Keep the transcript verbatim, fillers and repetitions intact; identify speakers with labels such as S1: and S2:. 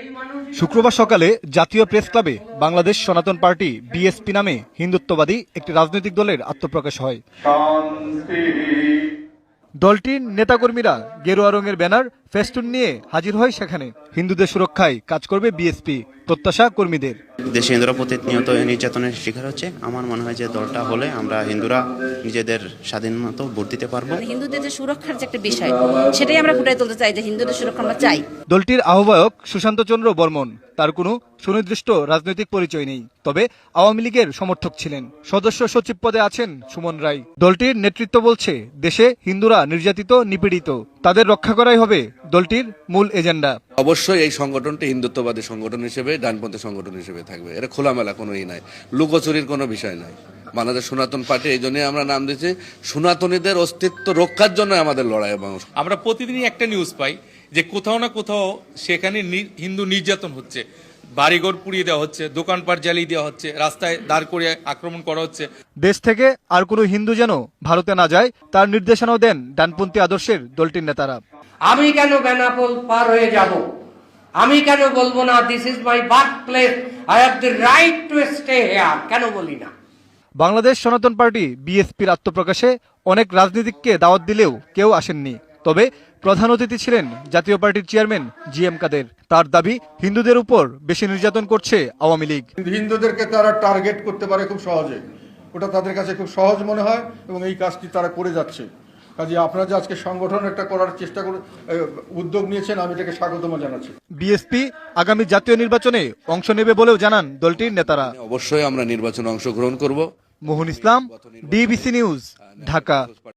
S1: শুক্রবার সকালে জাতীয় প্রেস ক্লাবে বাংলাদেশ সনাতন পার্টি বিএসপি নামে হিন্দুত্ববাদী একটি রাজনৈতিক দলের আত্মপ্রকাশ হয়। দলটির নেতাকর্মীরা গেরুয়া রঙের ব্যানার ফেস্টুন নিয়ে হাজির হয় সেখানে। হিন্দুদের সুরক্ষায় কাজ করবে বিএসপি, প্রত্যাশা কর্মীদের।
S2: দেশে হিন্দুরা প্রতিনিয়ত নির্যাতনের শিকার হচ্ছে। আমার মনে হয় যে দলটা হলে আমরা হিন্দুরা নিজেদের স্বাধীন মতো ভোট দিতে পারবো।
S3: হিন্দুদের যে সুরক্ষার যে একটা বিষয়, সেটাই আমরা ফুটাই তুলতে চাই যে হিন্দুদের সুরক্ষা আমরা চাই।
S1: দলটির আহ্বায়ক সুশান্ত চন্দ্র বর্মন, তার কোনো সুনির্দিষ্ট রাজনৈতিক পরিচয় নেই, তবে আওয়ামী লীগের সমর্থক ছিলেন। সদস্য সচিব পদে আছেন সুমন রায়। দলটির নেতৃত্ব বলছে, দেশে হিন্দুরা নির্যাতিত, নিপীড়িত, তাদের রক্ষা করাই হবে দলটির মূল এজেন্ডা।
S4: অবশ্যই এই সংগঠনটি হিন্দুত্ববাদী সংগঠন হিসেবে, ডানপন্থী সংগঠন হিসেবে থাকবে। এটা খোলামেলা কোনো ই নাই, লুকোচুরির কোনো বিষয় নাই। বাংলাদেশ সনাতন পার্টি এই জন্যই আমরা নাম দিয়েছি, সনাতনীদের অস্তিত্ব রক্ষার জন্য আমাদের লড়াই। এবং
S5: আমরা প্রতিদিনই একটা নিউজ পাই যে কোথাও না কোথাও সেখানে হিন্দু নির্যাতন হচ্ছে, বাড়িঘর পুড়িয়ে দেওয়া হচ্ছে, দোকানপাট জ্বালিয়ে দেওয়া হচ্ছে, রাস্তায় দাঁড় করে আক্রমণ করা হচ্ছে।
S1: দেশ থেকে আর কোনো হিন্দু যেন ভারতে না যায়, তার নির্দেশনাও দেন ডানপন্থী আদর্শের দলটির নেতারা।
S6: আমি কেন বেনাপোল পার হয়ে যাব? আমি কেন বলবো না this is my birth place, I have the right to stay here? কেন বলি না?
S1: বাংলাদেশ সনাতন পার্টি বিএসপির আত্মপ্রকাশে অনেক রাজনীতিককে দাওয়াত দিলেও কেউ আসেননি। তবে প্রধান অতিথি ছিলেন জাতীয় পার্টির চেয়ারম্যান জি এম কাদের। তার দাবি, হিন্দুদের উপর বেশি নির্যাতন করছে আওয়ামী লীগ।
S7: হিন্দুদেরকে তারা টার্গেট করতে পারে খুব সহজে, ওটা তাদের কাছে খুব সহজ মনে হয় এবং এই কাজটি তারা করে যাচ্ছে। কাজে আপনারা যে আজকে সংগঠন একটা করার চেষ্টা করে উদ্যোগ নিয়েছেন, আমি এটাকে স্বাগতম জানাচ্ছি।
S1: বিএসপি আগামী জাতীয় নির্বাচনে অংশ নেবে বলেও জানান দলটির নেতারা।
S4: অবশ্যই আমরা নির্বাচনে অংশগ্রহণ করব।
S1: Mohan Islam, DBC news, Dhaka.